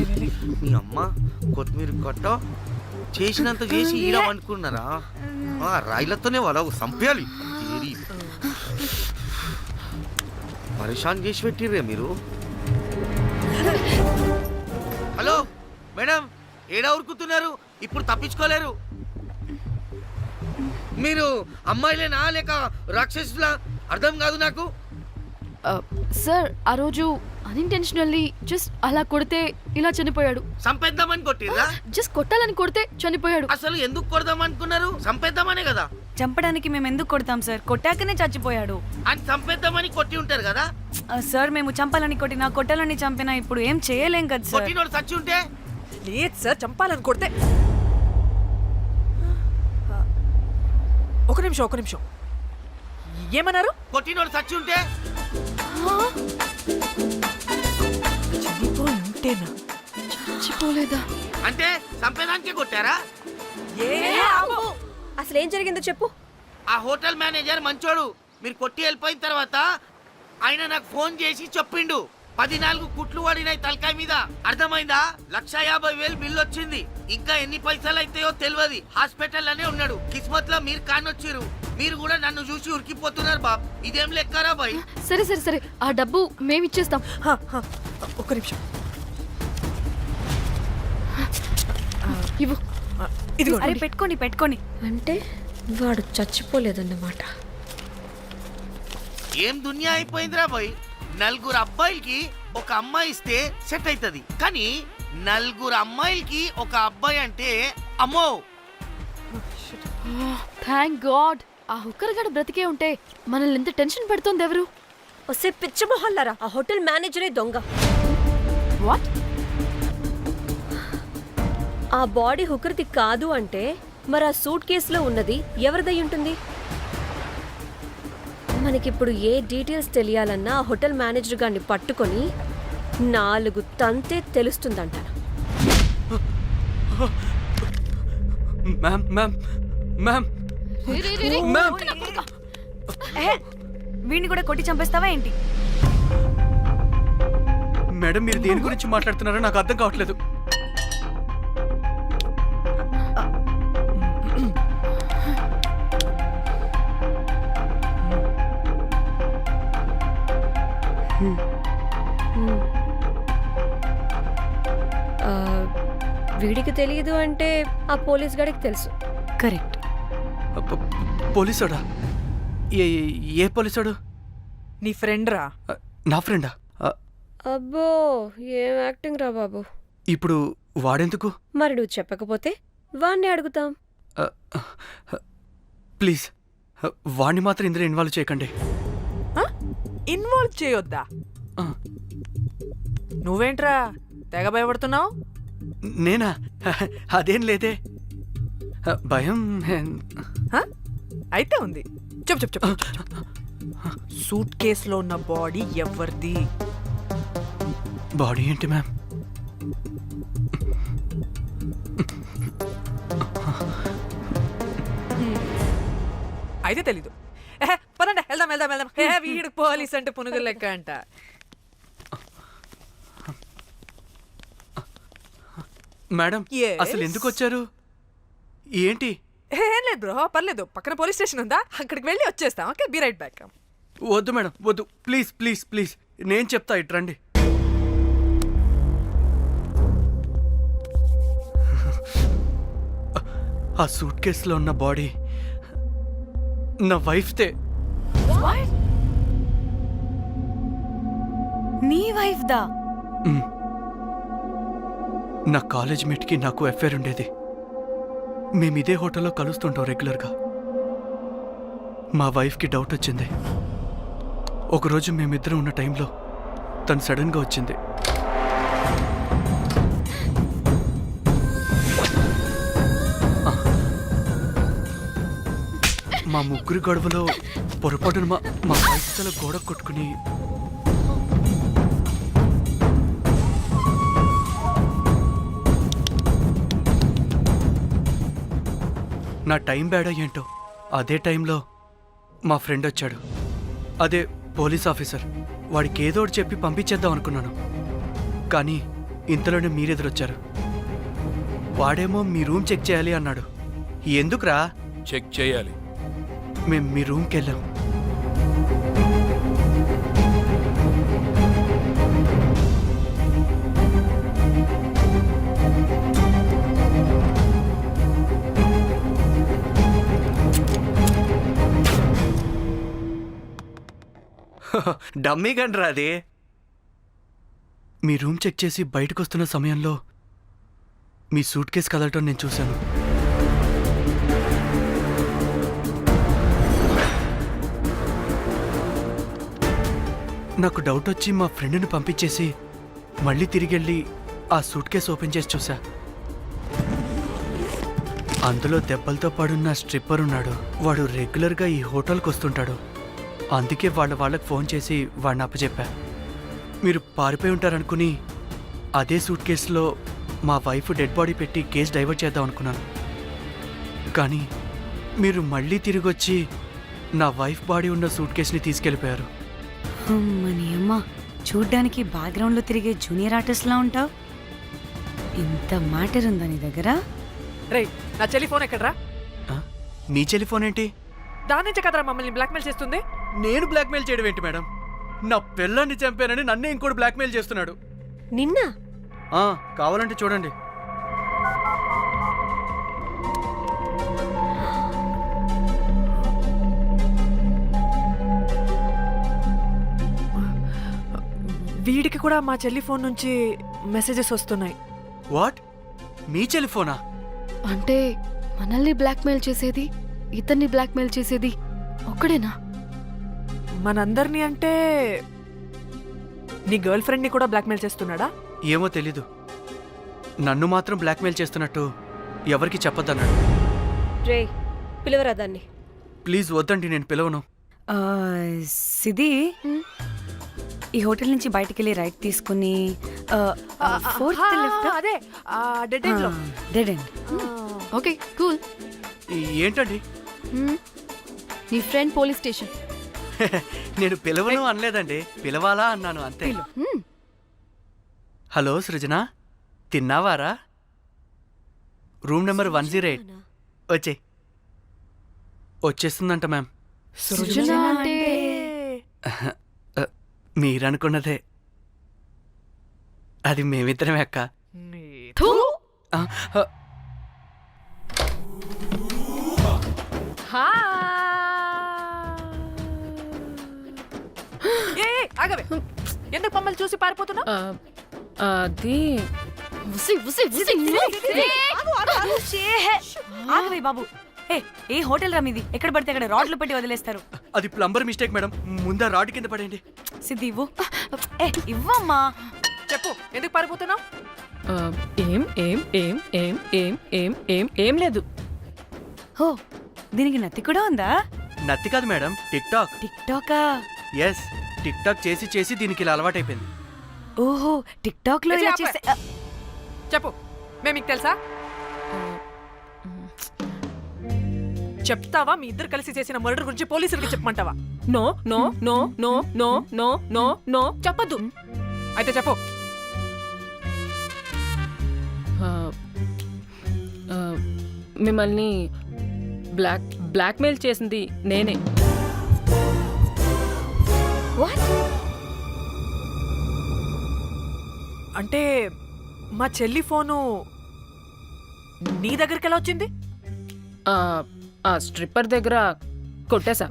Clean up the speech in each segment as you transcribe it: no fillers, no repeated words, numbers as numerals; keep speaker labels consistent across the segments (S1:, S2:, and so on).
S1: మీ అమ్మ కొత్తిమీర కట్ట చేసినంత చేసి ఈడ అనుకున్నారా? రాయిలతోనే వాళ్ళ సంపేయాలి. పరేషాన్ చేసి పెట్టిర్రే మీరు. హలో మేడం, ఏడా ఉరుకుతున్నారు? ఇప్పుడు తప్పించుకోలేరు. మీరు అమ్మాయిలేనా లేక రాక్షసులా? అర్థం కాదు నాకు.
S2: సార్ ఆ రోజు అన్ఇంటెన్షనల్లీ జస్ట్ అలా కొడితే ఇలా చనిపోయాడు.
S1: సంపేద్దామని కొట్టిర్రా?
S2: జస్ట్ కొట్టాలని కొడితే చనిపోయాడు.
S1: అసలు ఎందుకు కొడదాం అనుకున్నారు? సంపేద్దామనే కదా.
S3: చంపడానికి మేము ఎందుకు కొడతాం సార్? కొట్టాకనే చచ్చిపోయాడు.
S1: అని సంపేద్దామని కొట్టి ఉంటారు కదా
S3: సార్. మేము చంపాలని కొట్టినా కొట్టాలని చంపినా ఇప్పుడు ఏం చేయలేం కదా సార్.
S1: కొట్టినోడు చచ్చి ఉంటే?
S4: లేదు సార్, చంపాలని కొడితే. ఒక నిమిషం ఏమన్నారు?
S1: కొట్టినోడు చచ్చి ఉంటే?
S4: చనిపోయి ఉంటేనా?
S2: చచ్చిపోలేదా?
S1: అంటే సంపేదానికే కొట్టారా?
S5: అసలు ఏం జరిగిందో చెప్పు.
S1: ఆ హోటల్ మేనేజర్ మంచోడు. మీరు కొట్టి వెళ్ళిపోయిన తర్వాత ఆయన నాకు ఫోన్ చేసి చెప్పిండు 14 కుట్లు పడినాయి తలకాయ మీద. అర్థమైందా? 1,50,000 బిల్లు వచ్చింది. ఇంకా ఎన్ని పైసలు అయితాయో తెలియదు. హాస్పిటల్ లోనే ఉన్నాడు. కిస్మత్ లో మీరు కానొచ్చిరు. మీరు కూడా నన్ను చూసి ఉరికిపోతున్నారు బాబ్. ఇదేం లెక్కరా బాయ్?
S2: సరే ఆ డబ్బు మేమిచ్చేస్తాం.
S4: ఒక్క నిమిషం.
S2: ఇవ్వు.
S4: ఇదిగో.
S3: అరే పెట్టుకోండి.
S5: అంటే వాడు చచ్చిపోలేదన్నమాట.
S1: ఏం దునియా అయిపోయిందిరా బాయ్. 4 అబ్బాయిలకి ఒక అమ్మాయి ఇస్తే సెట్ అవుతుంది, కానీ 4 అమ్మాయిలకి ఒక అబ్బాయి అంటే అమ్మో.
S2: థ్యాంక్ గాడ్ ఆ హుక్కర్ గడు బ్రతికే ఉంటే మనల్ని ఎంత టెన్షన్ పెడుతోంది ఎవరు?
S5: వస్తే పిచ్చ మొహల్లారా, ఆ హోటల్ మేనేజరే దొంగ.
S2: వాట్?
S5: ఆ బాడీ హుకర్ది కాదు అంటే మరి ఆ సూట్ కేసులో ఉన్నది ఎవరిదై ఉంటుంది? మనకిప్పుడు ఏ డీటెయిల్స్ తెలియాలన్నా ఆ హోటల్ మేనేజర్ గారిని పట్టుకొని 4 తంతే తెలుస్తుందంట.
S3: వీడిని కూడా కొట్టి చంపేస్తావా ఏంటి?
S6: మేడం, మీరు దేని గురించి మాట్లాడుతున్నారో నాకు అర్థం కావట్లేదు.
S5: వీడికి తెలియదు అంటే ఆ పోలీస్ గాడికి తెలుసు.
S3: కరెక్ట్.
S6: పోలీసోడా? ఏ పోలీసోడు?
S4: నీ ఫ్రెండ్ రా.
S6: నా ఫ్రెండా?
S5: అబ్బో, ఏం యాక్టింగ్ రా బాబు.
S6: ఇప్పుడు వాడెందుకు?
S5: మరి నువ్వు చెప్పకపోతే వాణ్ణి అడుగుతాం.
S6: ప్లీజ్ వాణ్ణి మాత్రం ఇందులో ఇన్వాల్వ్ చేయకండి.
S4: ఇన్వాల్వ్ చేయొద్దా? నువ్వేంట్రా తెగ భయపడుతున్నావు?
S6: నేనా? అదేం లేదే, భయం.
S4: అయితే ఉంది. చెప్పు. సూట్ కేసులో ఉన్న బాడీ ఎవరిది?
S6: బాడీ ఏంటి మ్యామ్?
S4: అయితే తెలీదు. పదండి వెళ్దాం. వీడు పోలీస్ అంటే పునుగులు లెక్క అంట.
S6: Madam,
S4: Yes.
S6: అసలు ఎందుకు వచ్చారు? ఏంటి?
S4: ఏం లేదు బ్రో, పర్లేదు. పక్కన పోలీస్ స్టేషన్ ఉందా, అక్కడికి వెళ్ళి వచ్చేస్తాం. Okay, be right back.
S6: వద్దు మేడం, వద్దు. ప్లీజ్ నేను చెప్తా, ఇటు రండి. ఆ సూట్ కేసులో ఉన్న బాడీ నా వైఫ్తే.
S3: నీ వైఫ్ దా?
S6: నా కాలేజ్ మేట్కి నాకు అఫైర్ ఉండేది. మేము ఇదే హోటల్లో కలుస్తుంటాం రెగ్యులర్గా. మా వైఫ్కి డౌట్ వచ్చింది. ఒకరోజు మేమిద్దరం ఉన్న టైంలో తను సడన్గా వచ్చింది. మా ముగ్గురి గొడవలో పొరపాటున మా వైఫ్ తల గోడ కొట్టుకుని నా టైం బ్యాడ్ ఏంటో అదే టైంలో మా ఫ్రెండ్ వచ్చాడు. అదే పోలీస్ ఆఫీసర్. వాడికి ఏదో ఒకటి చెప్పి పంపించేద్దాం అనుకున్నాను, కానీ ఇంతలోనే మీరెదురొచ్చారు. వాడేమో మీ రూమ్ చెక్ చేయాలి అన్నాడు. ఎందుకురా?
S7: చెక్ చేయాలి.
S6: మేము మీ రూమ్కి వెళ్ళాం. డమ్మీ గండ్రా అది. మీ రూమ్ చెక్ చేసి బయటకు వస్తున్న సమయంలో మీ సూట్ కేసు కదలటం నేను చూశాను. నాకు డౌట్ వచ్చి మా ఫ్రెండ్ని పంపించేసి మళ్ళీ తిరిగెళ్ళి ఆ సూట్ కేసు ఓపెన్ చేసి చూసా. అందులో దెబ్బలతో పడున్న స్ట్రిప్పర్ ఉన్నాడు. వాడు రెగ్యులర్గా ఈ హోటల్కి వస్తుంటాడు. అందుకే వాళ్ళకి ఫోన్ చేసి వాడిని అప్పచెప్పా. మీరు పారిపోయి ఉంటారనుకుని అదే సూట్ కేసులో మా వైఫ్ డెడ్ బాడీ పెట్టి కేసు డైవర్ట్ చేద్దాం అనుకున్నాను. కానీ మీరు మళ్ళీ తిరిగి వచ్చి నా వైఫ్ బాడీ ఉన్న సూట్ కేసుని తీసుకెళ్ళిపోయారు.
S3: అమ్మని అమ్మ, చూడ్డానికి బ్యాక్గ్రౌండ్లో తిరిగే జూనియర్ ఆర్టిస్ట్లా ఉంటావు. ఇంత మ్యాటర్ ఉందా నీ దగ్గర?
S4: రేయ్, నా చెల్లి ఫోన్ ఎక్కడరా?
S6: ఆ? మీ టెలిఫోన్ ఏంటి?
S4: దాని నుంచే కదరా మమ్మల్ని బ్లాక్మెయిల్ చేస్తుంది.
S6: నేను బ్లాక్మెయిల్ చేయడం ఏంటి మేడం? నా పిల్లాన్ని చంపానని నన్నే ఇంకోటి బ్లాక్మెయిల్ చేస్తున్నాడు.
S5: నిన్న
S6: కావాలంటే చూడండి.
S4: వీడికి కూడా మా చెల్లి ఫోన్ నుంచి మెసేజెస్ వస్తున్నాయి.
S6: వాట్? మీ టెలిఫోనా?
S2: అంటే మనల్ని బ్లాక్మెయిల్ చేసేది, ఇతన్ని బ్లాక్మెయిల్ చేసేది ఒక్కడేనా?
S4: మనందరినీ అంటే నీ గర్ల్ ఫ్రెండ్ని కూడా బ్లాక్మెయిల్ చేస్తున్నాడా?
S6: ఏమో తెలీదు. నన్ను మాత్రం బ్లాక్మెయిల్ చేస్తున్నట్టు ఎవరికి చెప్పొద్దన్నాడు.
S5: రే, పిలవరా దాన్ని.
S6: ప్లీజ్ వద్దండి, నేను పిలవను.
S3: ఆ, సిది, ఈ హోటల్ నుంచి బయటికి వెళ్ళి రైట్ తీసుకుని ఫోర్త్ లెఫ్ట్.
S4: అదే డెడ్ ఎండ్ లో.
S3: Dead end.
S2: Okay, cool.
S6: ఏంటండి?
S2: నీ ఫ్రెండ్ పోలీస్ స్టేషన్.
S6: నేను పిలవను అనలేదండి, పిలవాలా అన్నాను అంతే. హలో సృజన, తిన్నావారా? Room number 108. వచ్చేస్తుందంట మ్యామ్.
S2: సృజన అంటే
S6: మీరనుకున్నదే. అది మేమిద్దరమే అక్క.
S2: థూ.
S6: ఆ,
S4: ఆగవే, ఎందుకు మమ్మల్ని చూసి పారిపోతున్నా?
S2: అది
S3: ఆగవే బాబు. ఏ హోటల్ రా మీది? ఎక్కడ పడితే అక్కడ రాడ్లు పెట్టి వదిలేస్తారు.
S6: అది ప్లంబర్ మిస్టేక్ మేడం. ముందా రాడ్ కింద పడేయండి.
S3: సిద్ధి ఇవ్వు. ఇవ్వమ్మా.
S4: చెప్పు, ఎందుకు పారిపోతున్నావు?
S8: ఏం ఏం ఏం ఏం ఏం ఏం ఏం ఏం లేదు.
S3: హో, దీనికి నత్తి కూడా ఉందా?
S6: నత్తి కాదు మేడం, టిక్ టాక్.
S3: టిక్ టాకా?
S6: ఎస్, టిక్ టాక్ చేసి చేసి దీనికి ఇలా అలవాటైపోయింది.
S3: ఓహో, టిక్ టాక్ లో ఇలా చేస్తే
S4: చెప్పు, మేము మీకు తెలుసా? చెప్తావా? మీ ఇద్దరు కలిసి చేసిన మర్డర్ గురించి పోలీసులకి చెప్పమంటావా?
S8: No no no no no no no no చెప్పద్దు.
S4: అయితే చెప్పు.
S8: మిమ్మల్ని బ్లాక్మెయిల్ చేసింది నేనే.
S4: అంటే మా చెల్లి ఫోను నీ దగ్గరికి ఎలా వచ్చింది?
S8: ఆ స్ట్రిప్పర్ దగ్గర కొట్టేశా.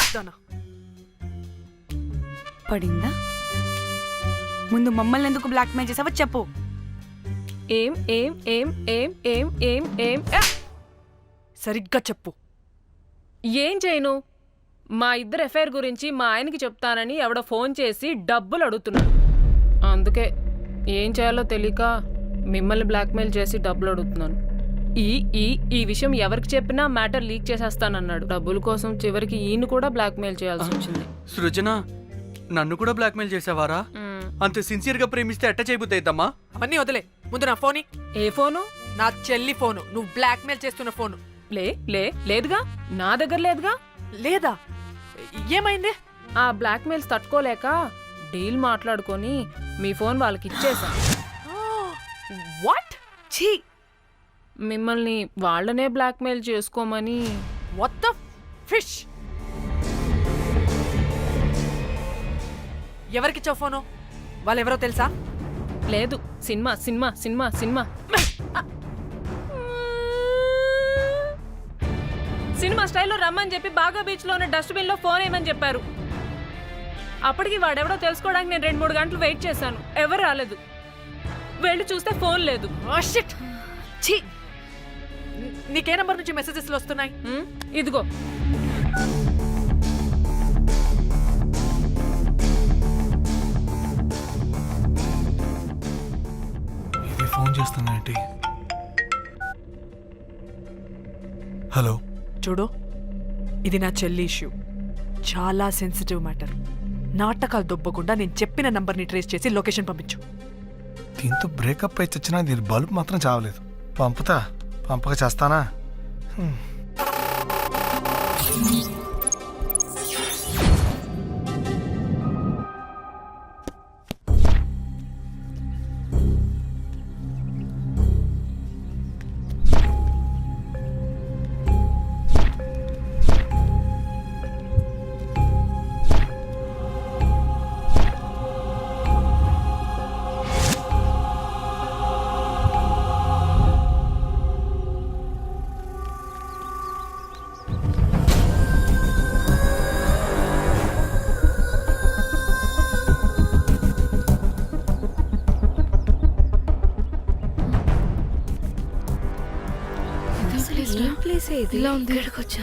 S3: పడిందా? ముందు మమ్మల్ని ఎందుకు బ్లాక్మెయిల్ చేసావో చెప్పు.
S8: ఏం ఏం ఏం ఏం ఏం ఏం ఏం
S4: సరిగ్గా చెప్పు.
S8: ఏం చేయను? మా ఇద్దరు ఎఫ్ఐఆర్ గురించి మా ఆయనకి చెప్తానని ఎవడో ఫోన్ చేసి డబ్బులు అడుగుతున్నాడు. అందుకే ఏం చేయాలో తెలియక మిమ్మల్ని బ్లాక్మెయిల్ చేసి డబ్బులు అడుగుతున్నాను. ఈ ఈ ఈ విషయం ఎవరికి చెప్పినా మ్యాటర్ లీక్ చేసేస్తానన్నాడు. డబ్బుల కోసం చివరికి ఈయన కూడా బ్లాక్మెయిల్ చేయాల్సి వచ్చింది.
S6: సృజన, నన్ను కూడా బ్లాక్మెయిల్ చేసావారా? అంత సిన్సియర్ గా ప్రేమిస్తే ఎట్ట చేయబుద్ది అయిద్దమ్మా?
S4: అవన్నీ వదిలే, ముందు నా ఫోని.
S8: ఏ ఫోను?
S4: నా చెల్లి ఫోను. నువ్వు బ్లాక్మెయిల్ చేస్తున్న ఫోను.
S8: లేదుగా, నా దగ్గర లేదుగా.
S4: లేదా? ఏమైంది?
S8: ఆ బ్లాక్మెయిల్స్ తట్టుకోలేక డీల్ మాట్లాడుకొని మీ ఫోన్ వాళ్ళకి ఇచ్చేసా.
S4: వాట్?
S3: ఛీ,
S8: మిమ్మల్ని వాళ్ళనే బ్లాక్మెయిల్ చేసుకోమని.
S4: What the fish? ఎవరికిచ్చావు ఫోను? వాళ్ళెవరో తెలుసా?
S8: లేదు, cinema cinema cinema cinema cinema స్టైల్లో రమ్మని చెప్పి బాగా బీచ్లో ఉన్న డస్ట్బిన్లో ఫోన్ వేయమని చెప్పారు. అప్పటికి వాడెవడో తెలుసుకోవడానికి నేను 2-3 గంటలు వెయిట్ చేశాను. ఎవరు రాలేదు. వెళ్ళి చూస్తే ఫోన్ లేదు.
S4: Oh, shit. ఛీ, నీకే నంబర్ నుంచి మెసేజెస్లు వస్తున్నాయి?
S8: ఇదిగో.
S7: ఇది ఫోన్ చేస్తున్నానంటే. హలో,
S4: చూడు, ఇది నా చెల్లి ఇష్యూ. చాలా సెన్సిటివ్ మ్యాటర్. నాటకాలు దొబ్బకుండా నేను చెప్పిన నంబర్ని ట్రేస్ చేసి లొకేషన్ పంపించు.
S7: దీంతో బ్రేకప్ అయి చచ్చినా దీని బల్బ్ మాత్రం చావలేదు. పంపక చేస్తానా?
S5: ఏం ప్లేస్ ఇది?
S2: ఇలా ఉంది. ఇక్కడికి వచ్చా.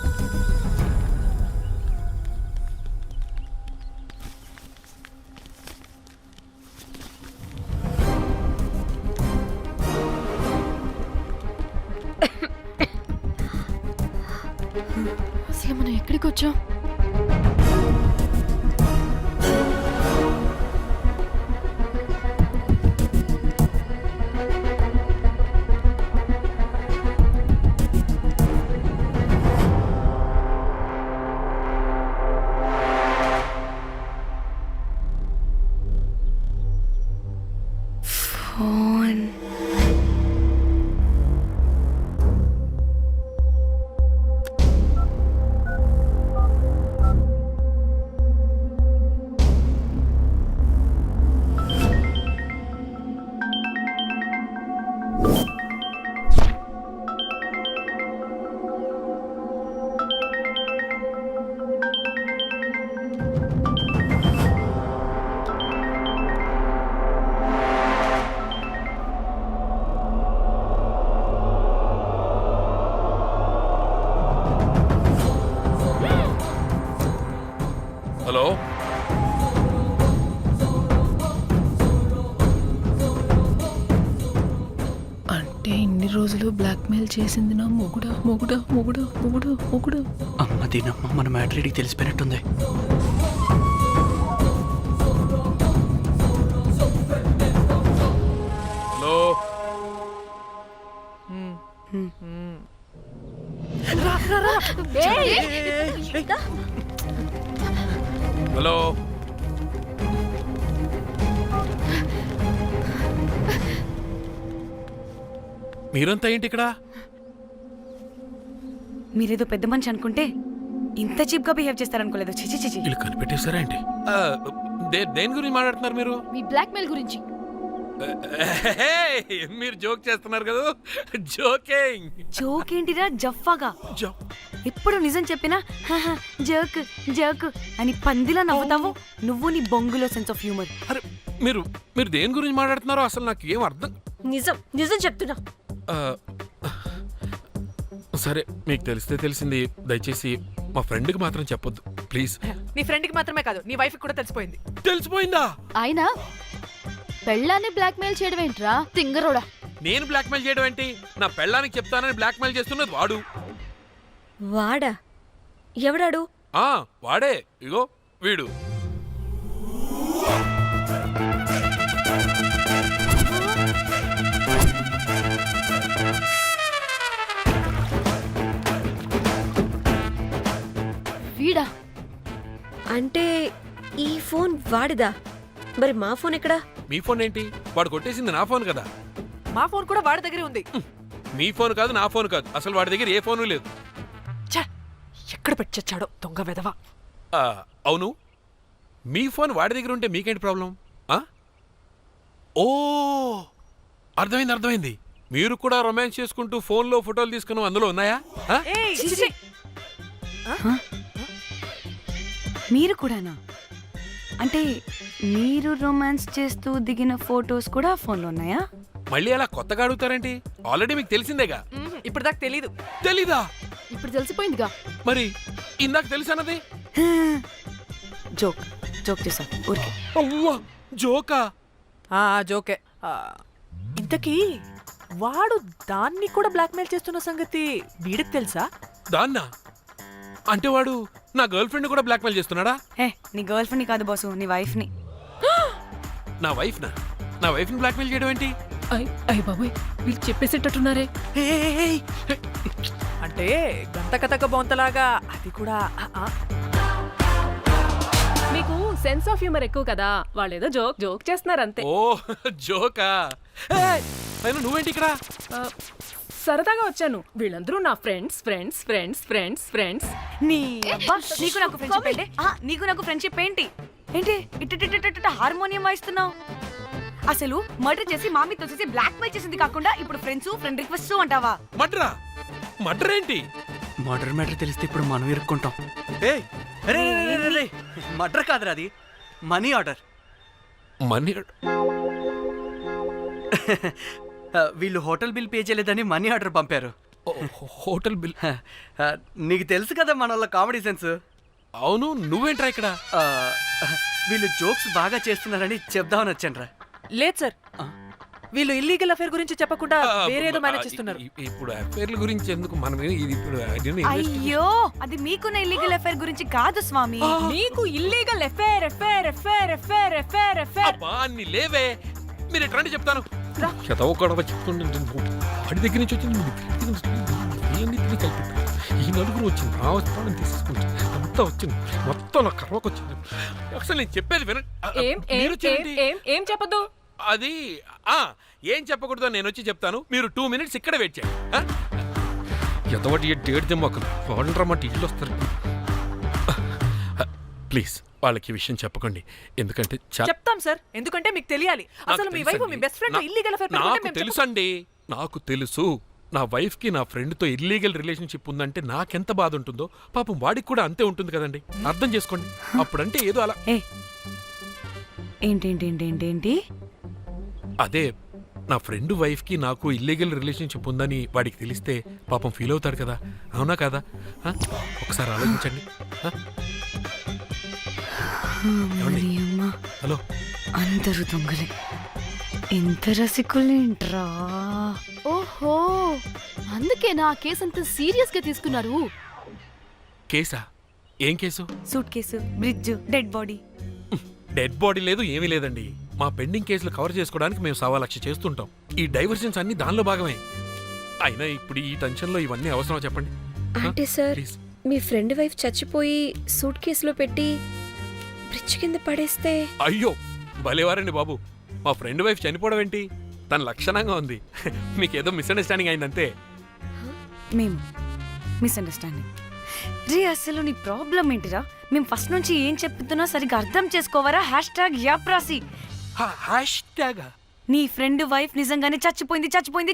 S2: అసలు మనం ఎక్కడికి వచ్చాం?
S3: ఫోన్.
S9: హలో,
S8: అంటే ఇన్ని రోజులు బ్లాక్మెయిల్ చేసింది నా మొగుడా మొగుడా మొగుడా మొగుడా మొగుడా.
S6: అమ్మ దీనమ్మ, మన మ్యాట్రీడికి తెలిసిపోయినట్టుంది.
S9: Hello, hello. మీరంతా ఏంటి ఇక్కడ?
S3: మీరేదో పెద్ద మనిషి అనుకుంటే ఇంత చీప్ గా బిహేవ్ చేస్తారనుకోలేదు. చిచి చిచి.
S9: వీళ్ళు కనిపెట్టేశారా ఏంటి? దేని గురించి మాట్లాడుతున్నారు మీరు?
S2: మీ బ్లాక్మెయిల్ గురించి.
S9: మీరు జోక్ చేస్తున్నారు కదా? జోకింగ్.
S3: జోక్ ఏంటిరా జఫ్ఫాగా? ఎప్పుడు నిజం చెప్పినా జోక్ జోక్ అని పందిలా నవ్వుతావు. నువ్వు నీ బొంగులో సెన్స్ ఆఫ్ హ్యూమర్.
S9: అరే, మీరు మీరు దేని గురించి మాట్లాడుతున్నారో అసలు నాకు ఏం అర్థం.
S5: నిజం చెప్తున్నా.
S9: ఆ, సరే, మీకు తెలిస్తే తెలిసింది. దయచేసి మా ఫ్రెండ్కి మాత్రం చెప్పొద్దు ప్లీజ్.
S4: నీ ఫ్రెండ్కి మాత్రమే కాదు, నీ వైఫ్కి కూడా తెలిసిపోయింది.
S9: తెలిసిపోయిందా?
S2: ఆయన పెళ్ళాన్ని బ్లాక్మెయిల్ చేయడం ఏంట్రా తింగరోడా?
S9: నేను బ్లాక్మెయిల్ చేయడం ఏంటి? నా పెళ్ళానికి చెప్తానని బ్లాక్మెయిల్ చేస్తున్నది వాడు.
S5: వాడా? ఎవడాడు?
S9: వాడే. ఇగో వీడు.
S2: వీడా?
S5: అంటే ఈ ఫోన్ వాడిదా? మరి మా ఫోన్ ఎక్కడా?
S9: మీ ఫోన్ ఏంటి? వాడు కొట్టేసింది నా ఫోన్ కదా.
S4: మా ఫోన్ కూడా వాడి దగ్గరే ఉంది.
S9: మీ ఫోన్ కాదు, నా ఫోన్ కాదు, అసలు వాడి దగ్గర ఏ ఫోను లేదు.
S4: ఛ! ఎక్కడ పెట్టొచ్చాడో దొంగ వెధవ.
S9: అవును, మీ ఫోన్ వాడి దగ్గర ఉంటే మీకేంటి ప్రాబ్లం? ఓ, అర్థమైంది. మీరు కూడా రొమాన్స్ చేసుకుంటూ ఫోన్లో ఫోటోలు తీసుకుని అందులో ఉన్నాయా?
S4: ఏయ్, చిచి!
S3: మీరు కూడానా? అంటే మీరు రొమాన్స్ చేస్తూ దిగిన ఫొటోస్ కూడా ఫోన్లో ఉన్నాయా?
S9: మళ్ళీ అలా కొత్తగా అడుగుతారేంటి? ఆల్రెడీ మీకు తెలిసిందేగా.
S4: ఇప్పుడు దాకా తెలీదు.
S9: తెలీదా?
S2: ఇప్పుడు తెలిసిపోయిందిగా.
S9: మరి ఇందాక తెలిసన్నది?
S3: జోక్ జోక్ చేసా ఊరికే.
S9: అవ్వా, జోకా?
S4: జోకే. ఇంతకీ వాడు దాన్ని కూడా బ్లాక్మెయిల్ చేస్తున్న సంగతి వీడికి తెలుసా?
S9: దాన్నా? అంటే వాడు నా గర్ల్ ఫ్రెండ్ కూడా బ్లాక్మెయిల్ చేస్తున్నాడా?
S3: హే, నీ గర్ల్ ఫ్రెండ్ని కాదు బాసు, నీ వైఫ్ని.
S9: నా వైఫ్ని బ్లాక్మెయిల్ చేయడం ఏంటి?
S8: అయ్య బాబోయ్, వీళ్ళు చెప్పేసేటట్టున్నారే.
S4: అంటే గంత కథక బొంతలాగా అది కూడా
S8: మీకు సెన్స్ ఆఫ్ హ్యూమర్ ఎక్కువ కదా, వాళ్ళేదో జోక్ చేస్తున్నారు అంతే.
S9: ఓ, జోకా? అయినా నువ్వేంటి ఇక్కడ?
S8: సరదాగా వచ్చాను. వీళ్ళందరూ నా ఫ్రెండ్స్.
S3: నీ అబ్బా, నీకు నాకు ఫ్రెండ్షిప్ ఏంటి? నీకు నాకు ఫ్రెండ్షిప్ ఏంటి? ఏంటి ఇట్ట హార్మోనియం వాయిస్తున్నావు? అసలు మర్డర్ చేసి మామితో చేసి బ్లాక్ మెయిల్ చేసింది కాకుండా ఇప్పుడు ఫ్రెండ్ రిక్వెస్ట్ అంటావా?
S9: మర్డర్ ఏంటి?
S6: మర్డర్ మ్యాటర్ తెలిస్తే ఇప్పుడు మనం ఇరుక్కుంటాం. మర్డర్ కాదురా, అది మనీ ఆర్డర్.
S9: మనీ?
S6: వీళ్ళు హోటల్ బిల్ పే చేయలేదని మనీ ఆర్డర్ పంపారు.
S9: Hotel bill?
S6: నీకు తెలుసు కదా మన వాళ్ళ కామెడీ సెన్స్.
S9: అవును, నువ్వేంట్రా ఇక్కడ?
S6: వీళ్ళు జోక్స్ బాగా చేస్తున్నారని చెప్దామని వచ్చాను రా.
S4: లేదు సార్, వీళ్ళు ఇల్లీగల్ అఫేర్ గురించి చెప్పకుండా వేరేదో మేనేజ్ చేస్తున్నారు.
S9: ఇప్పుడు అఫేర్ల గురించి ఎందుకు మనం ఇది ఇప్పుడు
S3: అయ్యో, అది మీకున్న ఇల్లీగల్ అఫేర్ గురించి కాదు స్వామి.
S8: మీకు ఇల్లీగల్ ఎఫేర్.
S9: అబ్బా, అన్ని లేవే. మీరు ఎట్లాంటి చెప్తాను చెతవకూడవ చెప్తుండే వాడి దగ్గర నుంచి వచ్చింది. కలిపి ఈ నలుగురు వచ్చింది, ఆ వస్తానని తీసుకుంటే అంతా వచ్చింది, మొత్తం నా కర్వకు వచ్చింది. అసలు నేను చెప్పేది
S8: ఏం చెప్పదు.
S9: అది ఏం చెప్పకూడదో నేను వచ్చి చెప్తాను. మీరు 2 minutes ఇక్కడ వెయిట్ చేయండి. ఎంతవాటి డేట్ తెమ్మకలు వాళ్ళంటారన్నమాట, ఇల్లు వస్తారు. ప్లీజ్ వాళ్ళకి విషయం చెప్పకండి, ఎందుకంటే
S4: చెప్తాం సార్, ఎందుకంటే మీకు తెలియాలి. అసలు మీ వైఫ్ మీ బెస్ట్ ఫ్రెండ్ ఇల్లీగల్ అఫేర్.
S9: నాకు తెలుసండి, నాకు తెలుసు. నా వైఫ్ కి నా ఫ్రెండ్ తో ఇల్లీగల్ రిలేషన్షిప్ ఉందంటే నాకెంత బాధ ఉంటుందో పాపం వాడికి కూడా అంతే ఉంటుంది కదండి. అర్థం చేసుకోండి. అప్పుడంటే ఏదో అలా.
S3: ఏంటి?
S9: అదే నా ఫ్రెండ్ వైఫ్ కి నాకు ఇల్లీగల్ రిలేషన్షిప్ ఉందని వాడికి తెలిస్తే పాపం ఫీల్ అవుతాడు కదా, అవునా కదా? ఒకసారి ఆలోచించండి. హలో,
S3: అందరూ దొంగలే, ఎంత రసికులేంట్రా.
S2: ఓహో, అందుకే నా కేసు అంత సీరియస్ గా తీసుకున్నారు.
S9: కేసా? ఏం case?
S3: Suit case, bridge, dead body.
S9: Dead body లేదు, ఏమీ లేదండి. మా పెండింగ్ కేసులు కవర్ చేసుకోవడానికి మేము 1,00,000 చేస్తుంటాం. ఈ డైవర్షన్స్ అన్ని దానిలో భాగమే. అయినా ఇప్పుడు ఈ టెన్షన్లో ఇవన్నీ అవసరం చెప్పండి?
S5: అంటే సార్,
S9: ప్లీజ్.
S5: మీ ఫ్రెండ్ వైఫ్ చచ్చిపోయి సూట్ కేసులో పెట్టి బ్రిడ్జ్ కింద పడేస్తే?
S9: అయ్యో, భలేవారండి బాబు. మా ఫ్రెండ్ వైఫ్ చనిపోవడం ఏంటి? తన లక్షణంగా ఉంది. మీకేదో మిస్అండర్స్టాండింగ్ అయిందంతే.
S3: మేము మిస్అండర్స్టాండింగ్ రీ. అసలు నీ ప్రాబ్లం ఏంటిరా? మేము ఫస్ట్ నుంచి ఏం చెప్తున్నా సరిగ్గా అర్థం చేసుకోవరా? #యాప్రాసి. నీ ఫ్రెండ్ వైఫ్ నిజంగానే చచ్చిపోయింది.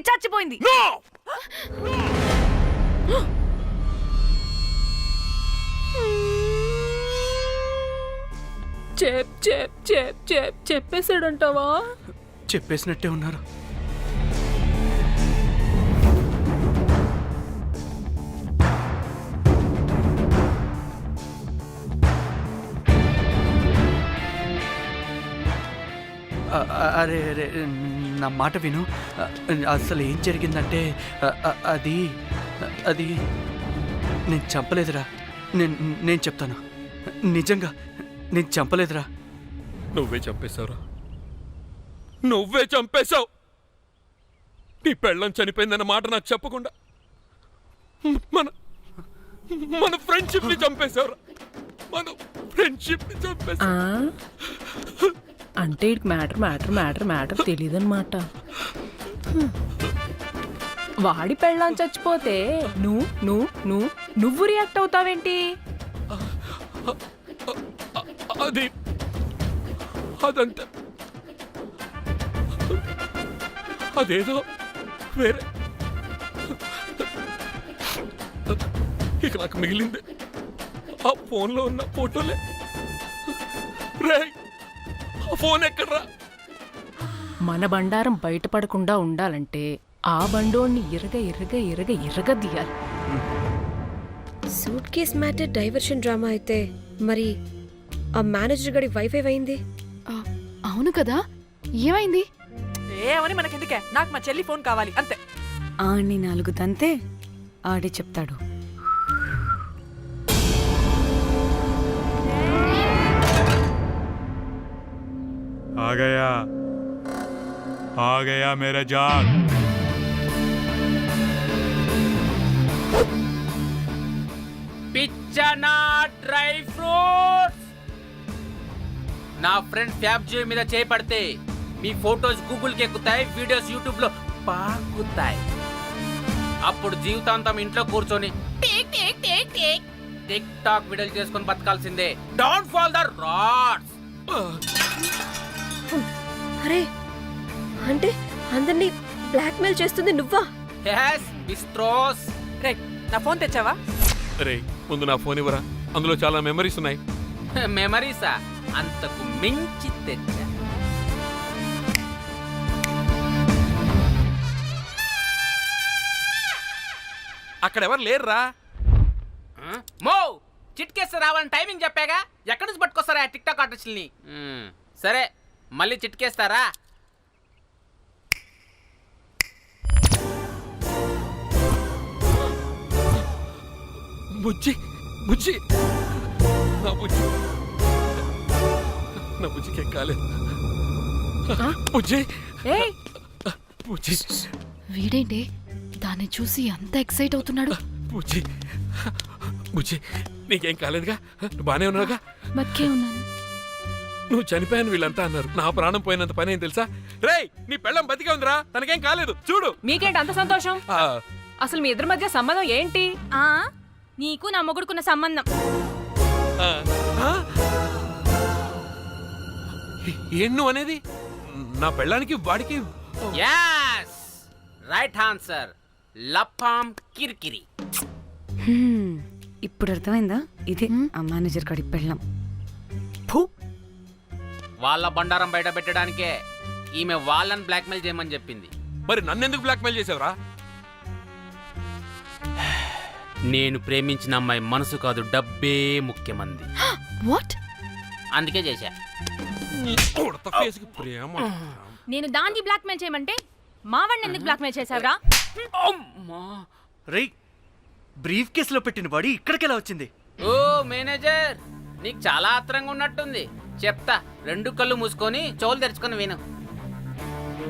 S8: చెప్పేసాడంటావా?
S6: చెప్పేసినట్టే ఉన్నారు. అరే నా మాట విను. అసలు ఏం జరిగిందంటే అది నేను చంపలేదురా. నేను చెప్తాను, నిజంగా నేను చంపలేదురా.
S9: నువ్వే చంపేశావురా, నువ్వే చంపేశావు. నీ పెళ్ళం చనిపోయిందన్న మాట నాకు చెప్పకుండా మన ఫ్రెండ్షిప్ ని చంపేశావురా. మన ఫ్రెండ్షిప్ ని చంపేశా.
S8: అంటే ఇటు మ్యాటర్ మ్యాటర్ మ్యాటర్ మ్యాటర్ తెలియదన్నమాట. వాడి పెళ్ళాం చచ్చిపోతే నువ్వు రియాక్ట్ అవుతావేంటి?
S9: అదంతా అదేదో వేరే. ఇక నాకు మిగిలింది ఆ ఫోన్లో ఉన్న ఫోటోలే. రేయ్, ఆ ఫోన్ ఎక్కడ్రా?
S8: మన బండారం బయటపడకుండా ఉండాలంటే ఆ బండోణ్ణి ఇరగ తీయాలి.
S5: Suit case matter diversion drama అయితే మరి ఆ మేనేజర్ గడి వైఫై అయింది.
S2: అవును కదా, ఏమైంది?
S4: ఏమని మనకెందుకే, నాకు మా చెల్లి ఫోన్ కావాలి అంతే.
S3: ఆడిని 4 తంతే ఆడే చెప్తాడు.
S10: आ गया मेरा जान.
S1: పిచ్చనా డ్రై ఫ్రూట్స్. నా ఫ్రెండ్ ఫ్యాబ్ జే మీద చేపడితే మీ ఫోటోస్ గూగుల్కి ఎక్కుతాయి, వీడియోస్ యూట్యూబ్ లో పాకుతాయి. అప్పుడు జీవితాంతం ఇంట్లో కూర్చొని టిక్ టాక్ వీడియోలు చేసుకొని బతకాల్సిందే. Don't fall the rods.
S5: అరే అంటే అందరినీ బ్లాక్మెయిల్ చేస్తుంది నువ్వా?
S1: yes బిస్ట్రోస్.
S4: రే, నా ఫోన్ తెచ్చావా?
S9: రే, ముందు నా ఫోన్ ఇవ్వరా, అందులో చాలా మెమరీస్ ఉన్నాయి.
S1: మెమరీసా? అంతకు మించి తెచ్చా.
S9: అక్కడ ఎవరు లేరురా.
S1: మో చిట్కేస్తే రావాలని టైమింగ్ చెప్పాగా, ఎక్కడి నుంచి పట్టుకొస్తారా టిక్ టాక్ ఆర్టిస్టుల్ని? సరే మళ్ళీ చిట్కేస్తారా?
S9: బుజ్జి బుజ్జి నా బుజ్జి, నా బుజ్జికి ఏం కాలేదు. బుజ్జి
S8: ఏయ్,
S9: బుజ్జి
S2: వీడేంటి దాన్ని చూసి అంత ఎక్సైట్ అవుతున్నాడు?
S9: బుజ్జి బుజ్జి, నీకేం కాలేదుగా? నువ్వు బానే ఉన్నావుగా?
S2: బతికే ఉన్నాను.
S9: నువ్వు చనిపోయాను వీళ్ళంతా అన్నారు. నా ప్రాణం పోయినంత పని ఏం తెలుసా? రేయ్, నీ పెళ్ళం బతికే ఉందిరా, తనకేం కాలేదు. చూడు.
S8: మీకేంటి అంత సంతోషం?
S9: ఆ,
S8: అసలు మీ ఇద్దరి మధ్య సంబంధం ఏంటి?
S3: నీకు నా మొగుడుకున్న సంబంధం.
S9: ఆ, ఆ? ఏం నువ్వు అనేది? నా పెళ్ళానికి వాడికి
S1: yes రైట్ ఆన్సర్. లపాం కిరికిరి.
S3: ఇప్పుడు అర్థమైందా? ఇదే ఆ మేనేజర్ గడి పెళ్ళం.
S1: వాళ్ళ బండారం బయట పెట్టడానికే ఈమె వాళ్ళని బ్లాక్మెయిల్ చేయమని చెప్పింది.
S9: మరి నన్నెందుకు బ్లాక్మెయిల్ చేసావురా?
S1: నేను ప్రేమించిన అమ్మాయి మనసు కాదు, డబ్బే ముఖ్యమంది.
S2: వాట్?
S1: అందుకే చేశా.
S9: ఉడత ఫేస్కి ప్రేమ.
S3: నేను దాన్ని బ్లాక్మెయిల్ చేయమంటే మావాడిని ఎందుకు బ్లాక్మెయిల్ చేసావురా?
S6: రేయ్, బ్రీఫ్ కేసులో పెట్టిన బాడీ ఇక్కడికెలా వచ్చింది?
S1: ఓ మేనేజర్, నీకు చాలా ఆత్రంగా ఉన్నట్టుంది. చెప్తా, 2 కళ్ళు మూసుకొని చెవులు తెరుచుకొని విను.